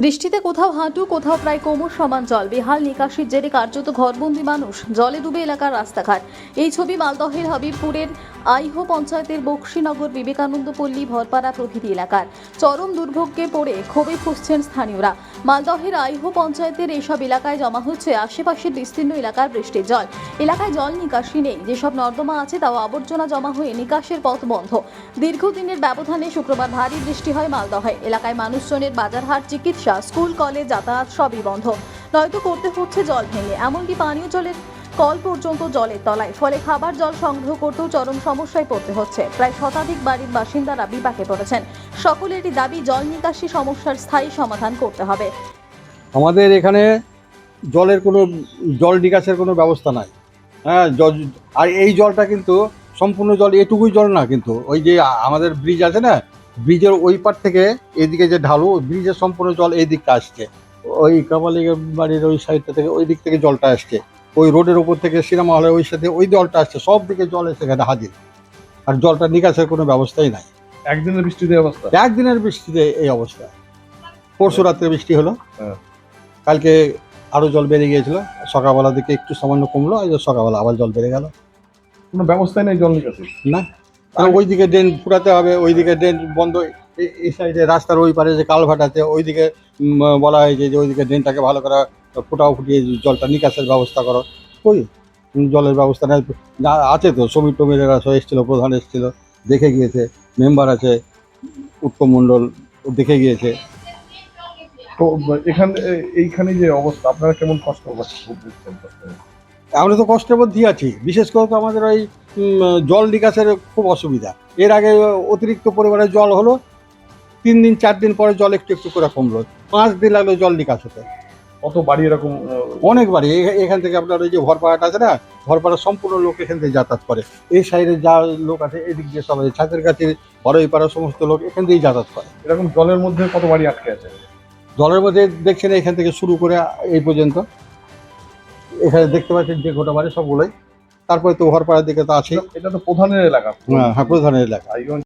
বৃষ্টিতে কোথাও হাঁটু কোথাও প্রায় কোমর সমান জল, বেহাল নিকাশির জেরে কার্যত ঘরবন্দি মানুষ, জলে ডুবে এলাকার রাস্তাঘাট। এই ছবি মালদহের হবিবপুরের আইহো পঞ্চায়েতের বক্সিনগর, বিবেকানন্দ পল্লী, ভরপাড়া প্রভৃতি এলাকার। চরম দুর্ভোগে পড়ে ক্ষোভে ফুঁসছেন স্থানীয়রা। মালদহের আইহো পঞ্চায়েতের এইসব এলাকায় জমা হচ্ছে আশেপাশের বিস্তীর্ণ এলাকার বৃষ্টির জল। এলাকায় জল নিকাশি নেই, যেসব নর্দমা আছে তাও আবর্জনা জমা হয়ে নিকাশের পথ বন্ধ। দীর্ঘদিনের ব্যবধানে শুক্রবার ভারী বৃষ্টি হয় মালদহে। এলাকায় মানুষজনের বাজারহাট, চিকিৎসা, স্কুল, কলেজ, যাতায়াত সবই বন্ধ। নয়তো করতে হচ্ছে জল ভেঙে, এমনকি পানীয় জলের কল পর্যন্ত জলের তলায়। ফলে খাবার জল সংগ্রহ করতেও চরম সমস্যায় পড়তে হচ্ছে। প্রায় শতাধিক বাড়ির বাসিন্দারা বিপাকে পড়েছেন। সকলেরই দাবি জল নিকাশি সমস্যার স্থায়ী সমাধান করতে হবে। আমাদের এখানে জলের কোনো জল নিকাশের কোনো ব্যবস্থা নাই। হ্যাঁ, আর এই জলটা কিন্তু সম্পূর্ণ জল এটুকুই জল না, কিন্তু ওই যে আমাদের ব্রিজ আছে না, ব্রিজের ওই পার থেকে এদিকে যে ঢালু, ব্রিজের সম্পূর্ণ জল এই দিকটা আসছে। ওই কামালিগের বাড়ির ওই সাইডটা থেকে ওই দিক থেকে জলটা আসছে, ওই রোডের ওপর থেকে সিনেমা হলের ওই সাথে ওই জলটা আসছে, সব দিকে জল এসে এখানে হাজির। আর জলটা নিকাশের কোনো ব্যবস্থাই নাই। একদিনের বৃষ্টিতে অবস্থা, একদিনের বৃষ্টিতে এই অবস্থা। পরশু রাত্রে বৃষ্টি হলো, হ্যাঁ। কালকে আরো জল বেড়ে গিয়েছিল, সকালবেলা দিকে একটু সামান্য কমলো, এই যে সকালবেলা আবার জল বেড়ে গেল। কোনো ব্যবস্থাই নেই জল নিকাশি। না, ওইদিকে ড্রেন ফুরাতে হবে, ওইদিকে ড্রেন বন্ধ। এই সাইডে রাস্তার ওই পারে যে কালভার্ট আছে, ওইদিকে বলা হয়েছে যে ওইদিকে ড্রেনটাকে ভালো করে ফুটিয়ে জলটা নিকাশের ব্যবস্থা করো। ওই জলের ব্যবস্থা নেই। আছে তো সমীর টমিরেরা সব এসেছিল, প্রধান এসেছিল, দেখে গিয়েছে, মেম্বার আছে উত্তম মণ্ডল, দেখে গিয়েছে। তো এইখানে যে অবস্থা, আপনারা কেমন কষ্ট বুঝছেন? আমরা তো কষ্টের মধ্যেই আছি। বিশেষ করে তো আমাদের ওই জল নিকাশের খুব অসুবিধা। এর আগে অতিরিক্ত পরিমাণে জল হলো, 3 দিন 4 দিন পরে জল একটু একটু করে কমলো, 5 দিন লাগলো জল নিকাশ হতে। কত বাড়ি এরকম? অনেক বাড়ি। এখান থেকে আপনার ওই যে ভরপাড়াটা আছে না, ভরপাড়ার সম্পূর্ণ লোক এখান থেকে যাতায়াত করে। এই সাইডে যা লোক আছে এদিক দিয়ে সবাই, ছাতের কাছে বড়ই পাড়ার সমস্ত লোক এখান থেকেই যাতায়াত করে। এরকম জলের মধ্যে কত বাড়ি আটকে আছে? জলের মধ্যে দেখছেন এখান থেকে শুরু করে এই পর্যন্ত, এখানে দেখতে পাচ্ছেন যে গোটা বাড়ি সবগুলোই। তারপরে তো ভরপাড়ার দিকে তো আছেই। এটা তো প্রধানের এলাকা। হ্যাঁ, প্রধানের এলাকা। এই